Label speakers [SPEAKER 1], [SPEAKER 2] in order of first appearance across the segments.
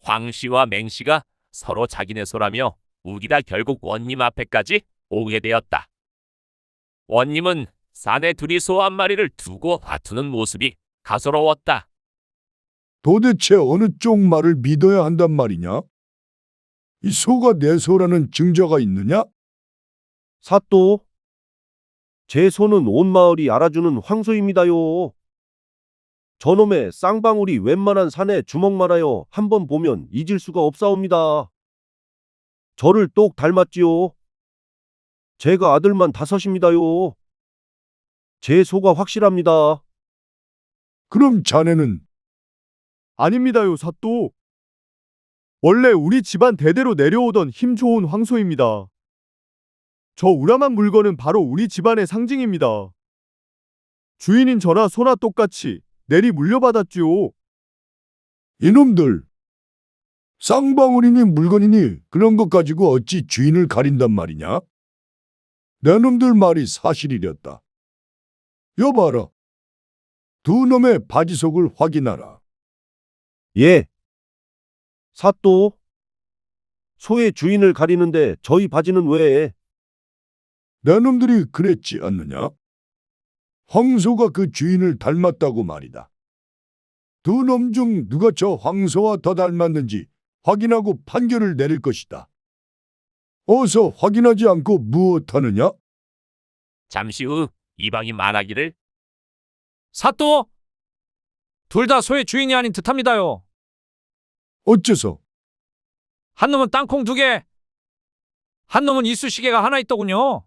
[SPEAKER 1] 황씨와 맹씨가 서로 자기네 소라며 우기다 결국 원님 앞에까지 오게 되었다. 원님은 사내 둘이 소 한 마리를 두고 다투는 모습이 가소로웠다.
[SPEAKER 2] 도대체 어느 쪽 말을 믿어야 한단 말이냐? 이 소가 내 소라는 증거가 있느냐?
[SPEAKER 3] 사또, 제 소는 온 마을이 알아주는 황소입니다요. 저놈의 쌍방울이 웬만한 산에 주먹 말아요 한번 보면 잊을 수가 없사옵니다. 저를 똑 닮았지요. 제가 아들만 5입니다요. 제 소가 확실합니다.
[SPEAKER 2] 그럼 자네는
[SPEAKER 4] 아닙니다요, 사또. 원래 우리 집안 대대로 내려오던 힘 좋은 황소입니다. 저 우람한 물건은 바로 우리 집안의 상징입니다. 주인인 저나 소나 똑같이 내리 물려받았지요.
[SPEAKER 2] 이놈들 쌍방울이니 물건이니 그런 것 가지고 어찌 주인을 가린단 말이냐? 내 놈들 말이 사실이렸다. 여봐라. 두 놈의 바지 속을 확인하라.
[SPEAKER 3] 예. 사또, 소의 주인을 가리는데 저희 바지는 왜?
[SPEAKER 2] 내 놈들이 그랬지 않느냐? 황소가 그 주인을 닮았다고 말이다. 두 놈 중 누가 저 황소와 더 닮았는지 확인하고 판결을 내릴 것이다. 어서 확인하지 않고 무엇하느냐?
[SPEAKER 1] 잠시 후 이방이 말하기를
[SPEAKER 5] 사또! 둘 다 소의 주인이 아닌 듯합니다요.
[SPEAKER 2] 어째서?
[SPEAKER 5] 한 놈은 땅콩 2개, 한 놈은 이쑤시개가 하나 있더군요.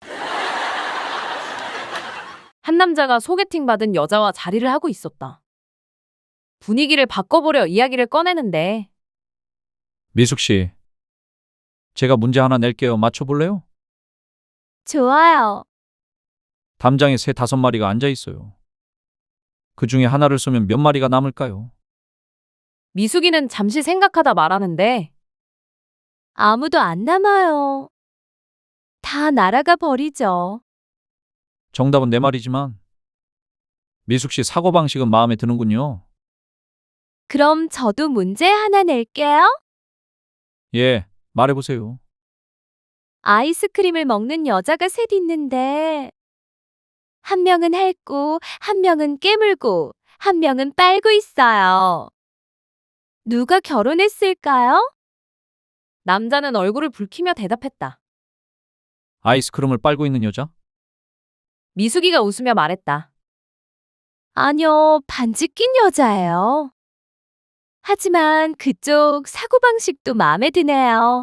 [SPEAKER 6] 한 남자가 소개팅 받은 여자와 자리를 하고 있었다. 분위기를 바꿔보려 이야기를 꺼내는데
[SPEAKER 5] 미숙 씨, 제가 문제 하나 낼게요. 맞춰볼래요?
[SPEAKER 6] 좋아요.
[SPEAKER 5] 담장에 새 5마리가 앉아 있어요. 그 중에 하나를 쏘면 몇 마리가 남을까요?
[SPEAKER 6] 미숙이는 잠시 생각하다 말하는데 아무도 안 남아요. 다 날아가 버리죠.
[SPEAKER 5] 정답은 4마리지만 미숙 씨 사고방식은 마음에 드는군요.
[SPEAKER 6] 그럼 저도 문제 하나 낼게요.
[SPEAKER 5] 예, 말해보세요.
[SPEAKER 6] 아이스크림을 먹는 여자가 셋 있는데 한 명은 핥고 한 명은 깨물고 한 명은 빨고 있어요. 누가 결혼했을까요? 남자는 얼굴을 붉히며 대답했다.
[SPEAKER 5] 아이스크림을 빨고 있는 여자?
[SPEAKER 6] 미숙이가 웃으며 말했다. 아니요, 반지 낀 여자예요. 하지만 그쪽 사고방식도 마음에 드네요.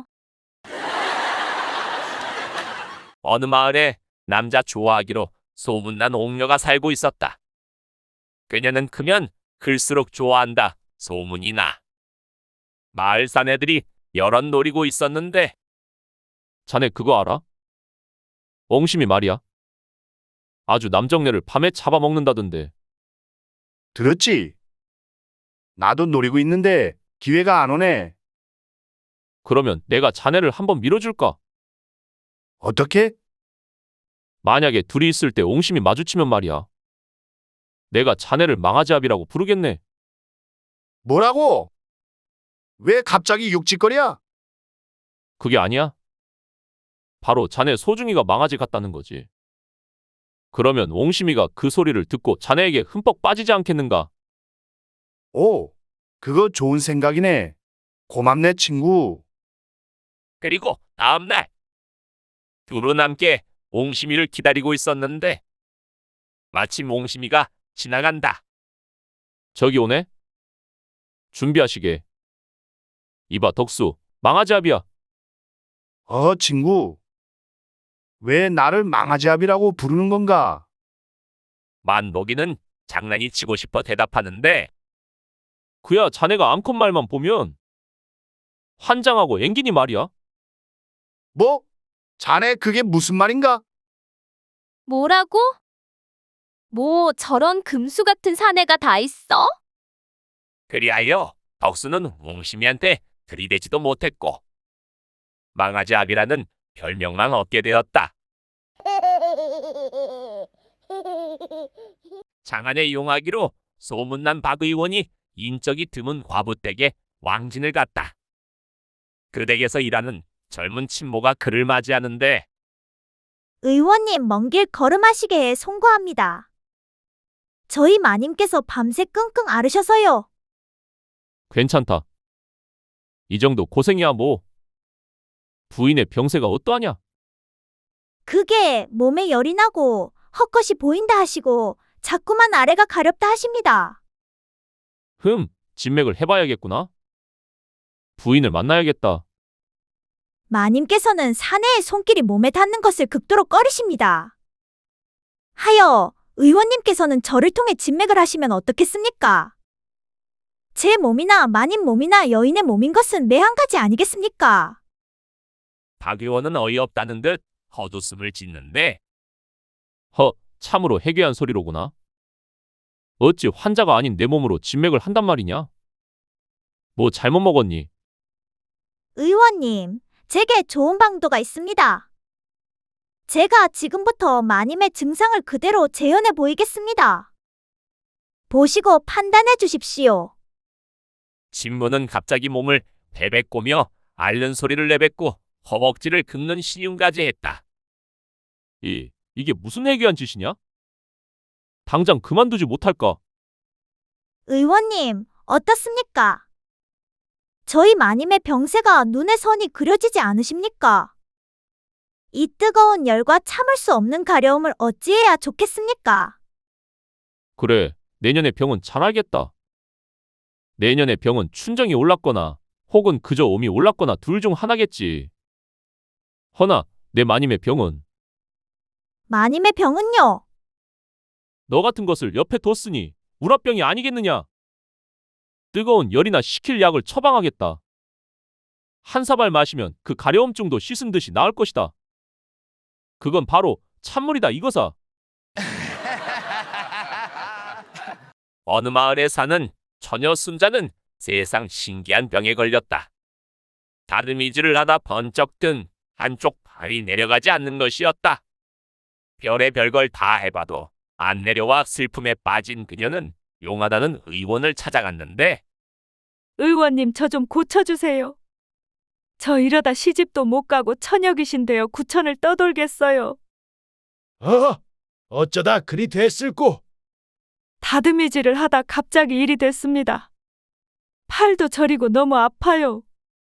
[SPEAKER 1] 어느 마을에 남자 좋아하기로 소문난 옥녀가 살고 있었다. 그녀는 크면 클수록 좋아한다 소문이 나. 마을 사내들이 여럿 노리고 있었는데 자네 그거 알아? 옹심이 말이야. 아주 남정네를 밤에 잡아먹는다던데.
[SPEAKER 7] 들었지? 나도 노리고 있는데 기회가 안 오네.
[SPEAKER 1] 그러면 내가 자네를 한번 밀어줄까?
[SPEAKER 7] 어떻게?
[SPEAKER 1] 만약에 둘이 있을 때 옹심이 마주치면 말이야. 내가 자네를 망아지압이라고 부르겠네.
[SPEAKER 7] 뭐라고? 왜 갑자기 육짓거리야?
[SPEAKER 1] 그게 아니야? 바로 자네 소중이가 망아지 같다는 거지. 그러면 옹심이가 그 소리를 듣고 자네에게 흠뻑 빠지지 않겠는가?
[SPEAKER 7] 오, 그거 좋은 생각이네. 고맙네, 친구.
[SPEAKER 1] 그리고 다음날 둘은 함께 옹심이를 기다리고 있었는데 마침 옹심이가 지나간다. 저기 오네? 준비하시게. 이봐 덕수, 망아지압이야.
[SPEAKER 7] 친구. 왜 나를 망아지압이라고 부르는 건가?
[SPEAKER 1] 만복이는 장난이 치고 싶어 대답하는데 그야 자네가 암컷 말만 보면 환장하고 앵기니 말이야.
[SPEAKER 7] 뭐? 자네 그게 무슨 말인가?
[SPEAKER 6] 뭐라고? 뭐 저런 금수 같은 사내가 다 있어?
[SPEAKER 1] 그리하여 덕수는 옹심이한테 들이대지도 못했고 망아지압이라는 별명만 얻게 되었다. 장안의 용하기로 소문난 박 의원이 인적이 드문 과부댁에 왕진을 갔다. 그 댁에서 일하는 젊은 친모가 그를 맞이하는데
[SPEAKER 8] 의원님 먼 길 걸음하시게 송구합니다. 저희 마님께서 밤새 끙끙 앓으셔서요.
[SPEAKER 5] 괜찮다. 이 정도 고생이야 뭐. 부인의 병세가 어떠하냐?
[SPEAKER 8] 그게 몸에 열이 나고 헛것이 보인다 하시고 자꾸만 아래가 가렵다 하십니다.
[SPEAKER 5] 진맥을 해봐야겠구나. 부인을 만나야겠다.
[SPEAKER 8] 마님께서는 사내의 손길이 몸에 닿는 것을 극도로 꺼리십니다. 하여 의원님께서는 저를 통해 진맥을 하시면 어떻겠습니까? 제 몸이나 마님 몸이나 여인의 몸인 것은 매 한 가지 아니겠습니까?
[SPEAKER 1] 박 의원은 어이없다는 듯 헛웃음을 짓는데
[SPEAKER 5] 참으로 해괴한 소리로구나. 어찌 환자가 아닌 내 몸으로 진맥을 한단 말이냐? 뭐 잘못 먹었니?
[SPEAKER 8] 의원님, 제게 좋은 방도가 있습니다. 제가 지금부터 마님의 증상을 그대로 재현해 보이겠습니다. 보시고 판단해 주십시오.
[SPEAKER 1] 친모는 갑자기 몸을 베베꼬며 앓는 소리를 내뱉고 허벅지를 긁는 신용까지 했다.
[SPEAKER 5] 이게 무슨 해괴한 짓이냐? 당장 그만두지 못할까?
[SPEAKER 8] 의원님, 어떻습니까? 저희 마님의 병세가 눈에 선이 그려지지 않으십니까? 이 뜨거운 열과 참을 수 없는 가려움을 어찌해야 좋겠습니까?
[SPEAKER 5] 그래, 내년의 병은 잘 알겠다. 내년의 병은 춘정이 올랐거나 혹은 그저 옴이 올랐거나 둘 중 하나겠지. 허나 내 마님의 병은
[SPEAKER 8] 마님의 병은요?
[SPEAKER 5] 너 같은 것을 옆에 뒀으니 우라병이 아니겠느냐? 뜨거운 열이나 식힐 약을 처방하겠다. 한 사발 마시면 그 가려움증도 씻은 듯이 나을 것이다. 그건 바로 찬물이다 이거사.
[SPEAKER 1] 어느 마을에 사는 처녀 순자는 세상 신기한 병에 걸렸다. 다듬이질을 하다 번쩍 든 한쪽 팔이 내려가지 않는 것이었다. 별의 별걸 다 해봐도 안 내려와 슬픔에 빠진 그녀는 용하다는 의원을 찾아갔는데
[SPEAKER 9] 의원님 저 좀 고쳐주세요. 저 이러다 시집도 못 가고 처녀귀신 되어 구천을 떠돌겠어요.
[SPEAKER 7] 어쩌다 그리 됐을꼬?
[SPEAKER 9] 다듬이질을 하다 갑자기 일이 됐습니다. 팔도 저리고 너무 아파요.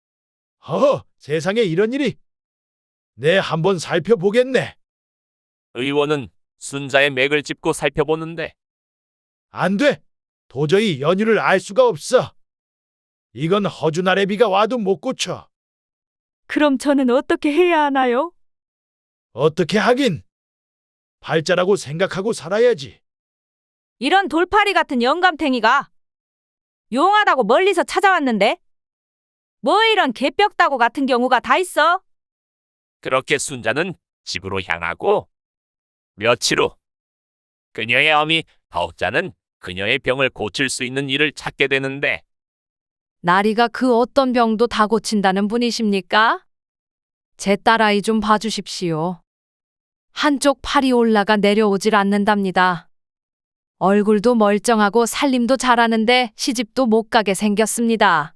[SPEAKER 7] 세상에 이런 일이. 내 한번 살펴보겠네.
[SPEAKER 1] 의원은 순자의 맥을 짚고 살펴보는데
[SPEAKER 7] 안 돼. 도저히 연유를 알 수가 없어. 이건 허주나래비가 와도 못 고쳐.
[SPEAKER 9] 그럼 저는 어떻게 해야 하나요?
[SPEAKER 7] 어떻게 하긴. 팔자라고 생각하고 살아야지.
[SPEAKER 6] 이런 돌팔이 같은 영감탱이가 용하다고 멀리서 찾아왔는데 뭐 이런 개벽다구 같은 경우가 다 있어?
[SPEAKER 1] 그렇게 순자는 집으로 향하고 며칠 후 그녀의 어미 덕자는 그녀의 병을 고칠 수 있는 일을 찾게 되는데
[SPEAKER 6] 나리가 그 어떤 병도 다 고친다는 분이십니까? 제 딸아이 좀 봐주십시오. 한쪽 팔이 올라가 내려오질 않는답니다. 얼굴도 멀쩡하고 살림도 잘하는데 시집도 못 가게 생겼습니다.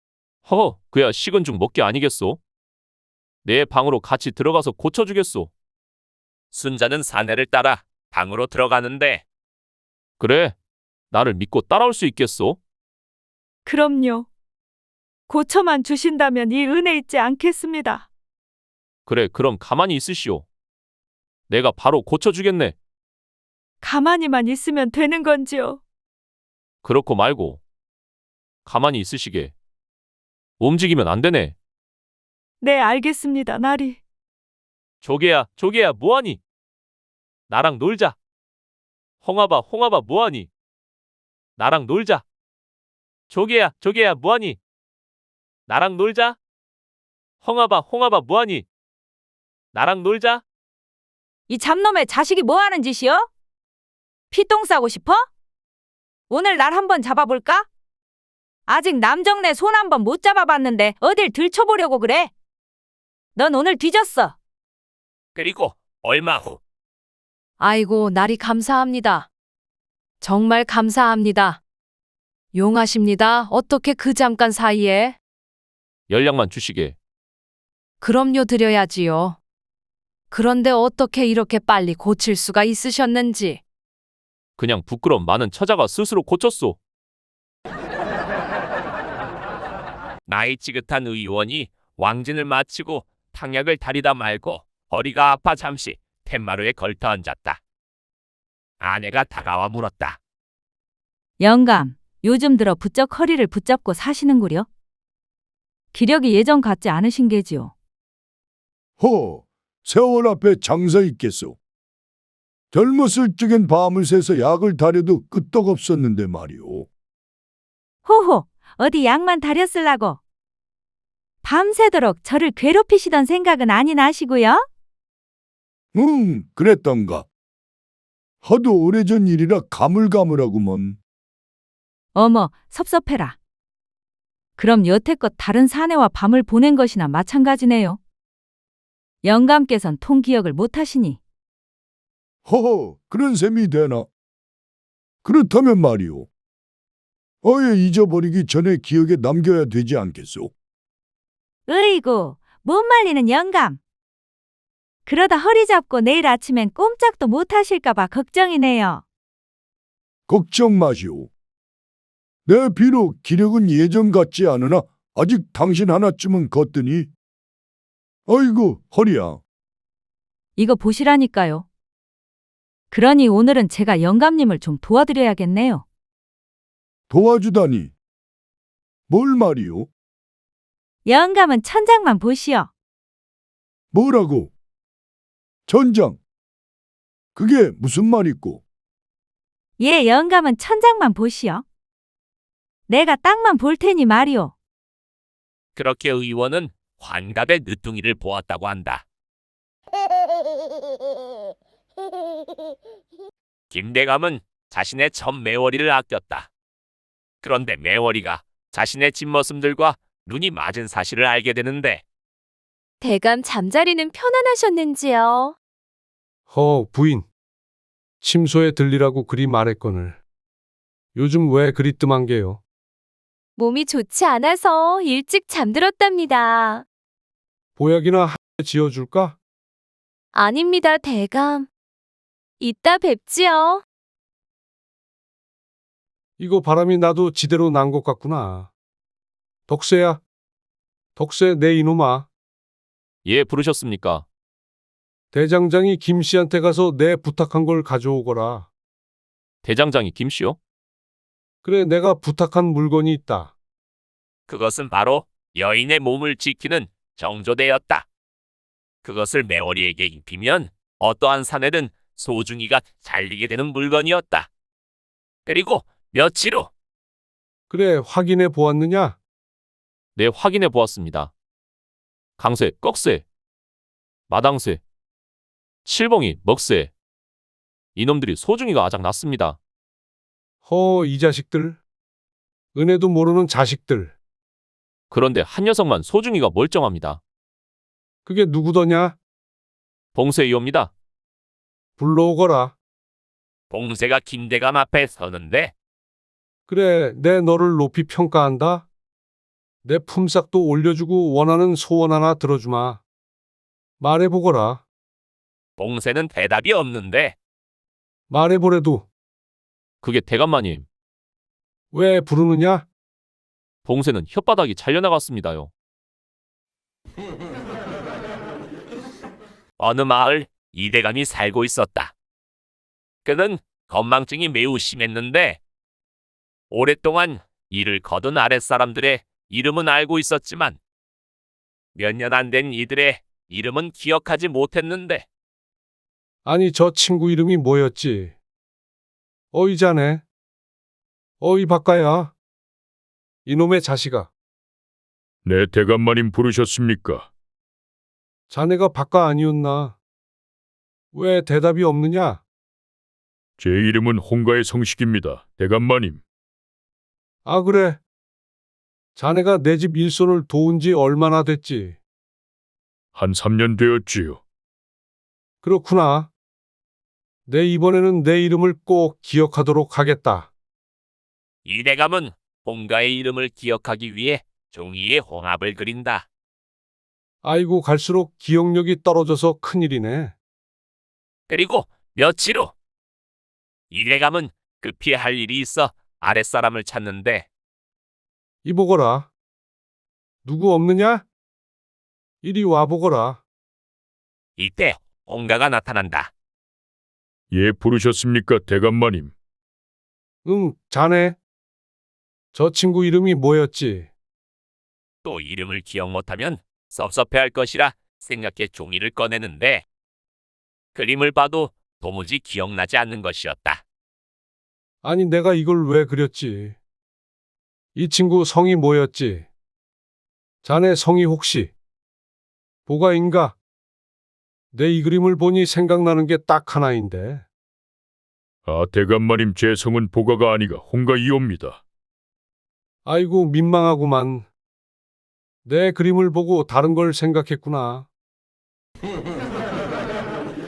[SPEAKER 5] 그야 식은 죽 먹기 아니겠소? 내 방으로 같이 들어가서 고쳐주겠소.
[SPEAKER 1] 순자는 사내를 따라 방으로 들어가는데
[SPEAKER 5] 그래, 나를 믿고 따라올 수 있겠소?
[SPEAKER 9] 그럼요. 고쳐만 주신다면 이 은혜 잊지 않겠습니다.
[SPEAKER 5] 그래, 그럼 가만히 있으시오. 내가 바로 고쳐주겠네.
[SPEAKER 9] 가만히만 있으면 되는 건지요?
[SPEAKER 5] 그렇고 말고 가만히 있으시게. 움직이면 안 되네.
[SPEAKER 9] 네, 알겠습니다, 나리.
[SPEAKER 5] 조개야 뭐하니? 나랑 놀자. 홍아바 뭐하니? 나랑 놀자. 조개야 뭐하니? 나랑 놀자. 홍아바 뭐하니? 나랑 놀자.
[SPEAKER 6] 이 잡놈의 자식이 뭐 하는 짓이여? 피똥 싸고 싶어? 오늘 날 한번 잡아볼까? 아직 남정네 손 한번 못 잡아봤는데 어딜 들춰보려고 그래? 넌 오늘 뒤졌어.
[SPEAKER 1] 그리고 얼마 후
[SPEAKER 6] 아이고, 나리 감사합니다. 정말 감사합니다.
[SPEAKER 10] 용하십니다. 어떻게 그 잠깐 사이에?
[SPEAKER 5] 연락만 주시게.
[SPEAKER 10] 그럼요, 드려야지요. 그런데 어떻게 이렇게 빨리 고칠 수가 있으셨는지.
[SPEAKER 5] 그냥 부끄럼 많은 처자가 스스로 고쳤소.
[SPEAKER 1] 나이 지긋한 의원이 왕진을 마치고 탕약을 다리다 말고 허리가 아파 잠시 툇마루에 걸터 앉았다. 아내가 다가와 물었다.
[SPEAKER 6] 영감, 요즘 들어 부쩍 허리를 붙잡고 사시는구려? 기력이 예전 같지 않으신 게지요.
[SPEAKER 2] 허, 세월 앞에 장사 있겠소. 젊었을 적엔 밤을 새서 약을 다려도 끄떡없었는데 말이오.
[SPEAKER 6] 호호, 어디 약만 다렸을라고. 밤새도록 저를 괴롭히시던 생각은 아니 나시고요?
[SPEAKER 2] 그랬던가. 하도 오래전 일이라 가물가물하구먼.
[SPEAKER 6] 어머, 섭섭해라. 그럼 여태껏 다른 사내와 밤을 보낸 것이나 마찬가지네요. 영감께선 통기억을 못하시니.
[SPEAKER 2] 허허, 그런 셈이 되나? 그렇다면 말이오. 아예 잊어버리기 전에 기억에 남겨야 되지 않겠소?
[SPEAKER 6] 으이구, 못 말리는 영감. 그러다 허리 잡고 내일 아침엔 꼼짝도 못 하실까봐 걱정이네요.
[SPEAKER 2] 걱정 마시오. 내 비록 기력은 예전 같지 않으나 아직 당신 하나쯤은 걷더니. 아이고, 허리야.
[SPEAKER 6] 이거 보시라니까요. 그러니 오늘은 제가 영감님을 좀 도와드려야겠네요.
[SPEAKER 2] 도와주다니. 뭘 말이오?
[SPEAKER 6] 영감은 천장만 보시오.
[SPEAKER 2] 뭐라고? 전장. 그게 무슨 말이고?
[SPEAKER 6] 예, 영감은 천장만 보시오. 내가 땅만 볼 테니 말이오.
[SPEAKER 1] 그렇게 의원은 환갑의 늦둥이를 보았다고 한다. 김대감은 자신의 첫 매월이를 아꼈다. 그런데 매월이가 자신의 뒷모습들과 눈이 맞은 사실을 알게 되는데
[SPEAKER 10] 대감 잠자리는 편안하셨는지요?
[SPEAKER 11] 부인. 침소에 들리라고 그리 말했거늘. 요즘 왜 그리 뜸한 게요?
[SPEAKER 10] 몸이 좋지 않아서 일찍 잠들었답니다.
[SPEAKER 11] 보약이나 한 개 지어줄까?
[SPEAKER 10] 아닙니다, 대감. 이따 뵙지요.
[SPEAKER 11] 이거 바람이 나도 지대로 난 것 같구나. 덕세야. 덕세 내 이놈아.
[SPEAKER 5] 예, 부르셨습니까?
[SPEAKER 11] 대장장이 김씨한테 가서 내 부탁한 걸 가져오거라.
[SPEAKER 5] 대장장이 김씨요?
[SPEAKER 11] 그래, 내가 부탁한 물건이 있다.
[SPEAKER 1] 그것은 바로 여인의 몸을 지키는 정조대였다. 그것을 매월이에게 입히면 어떠한 사내든 소중이가 잘리게 되는 물건이었다. 그리고 며칠 후
[SPEAKER 11] 그래, 확인해 보았느냐?
[SPEAKER 5] 네, 확인해 보았습니다. 강쇠, 꺽쇠, 마당쇠, 칠봉이, 먹쇠. 이놈들이 소중이가 아작 났습니다.
[SPEAKER 11] 이 자식들. 은혜도 모르는 자식들.
[SPEAKER 5] 그런데 한 녀석만 소중이가 멀쩡합니다.
[SPEAKER 11] 그게 누구더냐?
[SPEAKER 5] 봉쇄이옵니다.
[SPEAKER 11] 불러오거라.
[SPEAKER 1] 봉쇄가 김대감 앞에 서는데
[SPEAKER 11] 그래, 내 너를 높이 평가한다. 내 품삯도 올려주고 원하는 소원 하나 들어주마. 말해보거라.
[SPEAKER 1] 봉쇄는 대답이 없는데
[SPEAKER 11] 말해보래도.
[SPEAKER 5] 그게 대감마님.
[SPEAKER 11] 왜 부르느냐?
[SPEAKER 5] 봉쇄는 혓바닥이 잘려나갔습니다요.
[SPEAKER 1] 어느 마을 이대감이 살고 있었다. 그는 건망증이 매우 심했는데 오랫동안 이를 거둔 아랫사람들의 이름은 알고 있었지만 몇 년 안 된 이들의 이름은 기억하지 못했는데
[SPEAKER 11] 아니, 저 친구 이름이 뭐였지? 어이 자네. 어이 박가야. 이놈의 자식아.
[SPEAKER 2] 네, 대감마님 부르셨습니까?
[SPEAKER 11] 자네가 박가 아니었나? 왜 대답이 없느냐?
[SPEAKER 2] 제 이름은 홍가의 성식입니다, 대감마님.
[SPEAKER 11] 아, 그래. 자네가 내 집 일손을 도운 지 얼마나 됐지?
[SPEAKER 2] 한 3년 되었지요.
[SPEAKER 11] 그렇구나. 내 이번에는 내 이름을 꼭 기억하도록 하겠다.
[SPEAKER 1] 이대감은 홍가의 이름을 기억하기 위해 종이에 홍합을 그린다.
[SPEAKER 11] 아이고 갈수록 기억력이 떨어져서 큰일이네.
[SPEAKER 1] 그리고 며칠 후 이대감은 급히 할 일이 있어 아랫사람을 찾는데
[SPEAKER 11] 이보거라. 누구 없느냐? 이리 와보거라.
[SPEAKER 1] 이때 홍가가 나타난다.
[SPEAKER 2] 예, 부르셨습니까, 대감마님?
[SPEAKER 11] 응, 자네. 저 친구 이름이 뭐였지?
[SPEAKER 1] 또 이름을 기억 못하면 섭섭해할 것이라 생각해 종이를 꺼내는데 그림을 봐도 도무지 기억나지 않는 것이었다.
[SPEAKER 11] 아니, 내가 이걸 왜 그렸지? 이 친구 성이 뭐였지? 자네 성이 혹시 보가인가? 내 이 그림을 보니 생각나는 게 딱 하나인데.
[SPEAKER 2] 아, 대감마님, 제 성은 보가가 아니가 홍가이옵니다.
[SPEAKER 11] 아이고, 민망하구만. 내 그림을 보고 다른 걸 생각했구나.